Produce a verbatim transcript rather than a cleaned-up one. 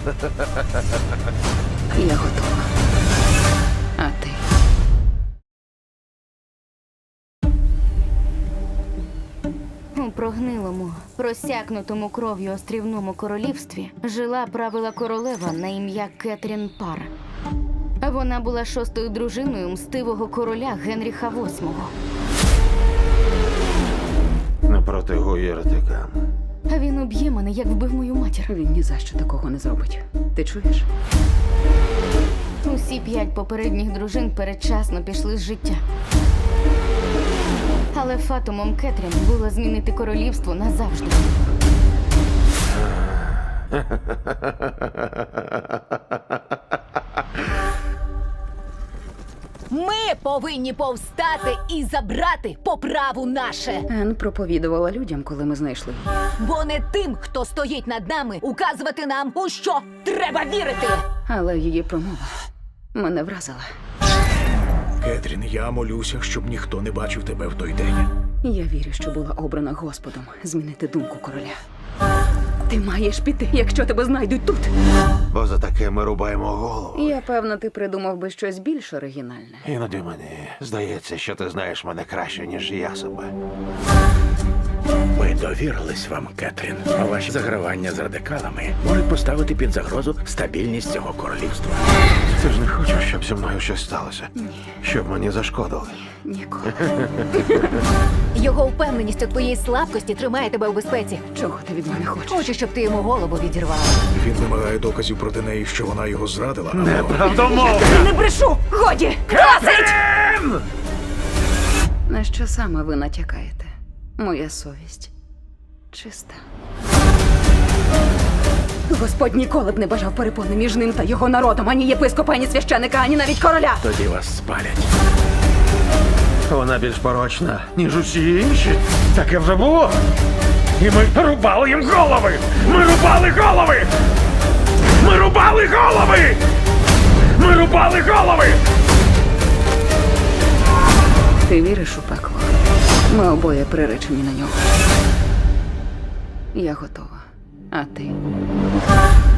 Я готова. А ти? У прогнилому, просякнутому кров'ю острівному королівстві жила правила королева на ім'я Кетрін Пар. Вона була шостою дружиною мстивого короля Генріха восьмого. Не протигуй єретикам. Він уб'є мене, як вбив мою матір. Він ні за що такого не зробить. Ти чуєш? Усі п'ять попередніх дружин передчасно пішли з життя. Але фатумом Кетрін було змінити королівство назавжди. Ми повинні повстати і забрати по праву наше. Ен проповідувала людям, коли ми знайшли її. Бо не тим, хто стоїть над нами, указувати нам, у що треба вірити. Але її промова мене вразила. Кетрін, я молюся, щоб ніхто не бачив тебе в той день. Я вірю, що була обрана Господом змінити думку короля. Ти маєш піти, якщо тебе знайдуть тут. Бо за таке ми рубаємо голову. Я певна, ти придумав би щось більш оригінальне. Іноді мені здається, що ти знаєш мене краще, ніж я себе. Ми довірились вам, Кетрін. А ваші загравання з радикалами можуть поставити під загрозу стабільність цього королівства. Ти ж не хочеш, щоб зі мною щось сталося? Щоб мені зашкодили. Ніколи. Його впевненість у твоїй слабкості тримає тебе у безпеці. Чого ти від мене хочеш? Хочу, щоб ти йому голову відірвала. Він вимагає доказів проти неї, що вона його зрадила. або- Неправдомовно! Не брешу! Годі! Досить! На що саме ви натякаєте? Моя совість чиста. Господь ніколи б не бажав перепони між ним та його народом, ані єпископа, ані священика, ані навіть короля. Тоді вас спалять. Вона більш порочна, ніж усі інші. Таке вже було. І ми рубали їм голови! Ми рубали голови! Ми рубали голови! Ми рубали голови! Ти віриш у пекло? Ми обоє приречені на нього. Я готова. А ти?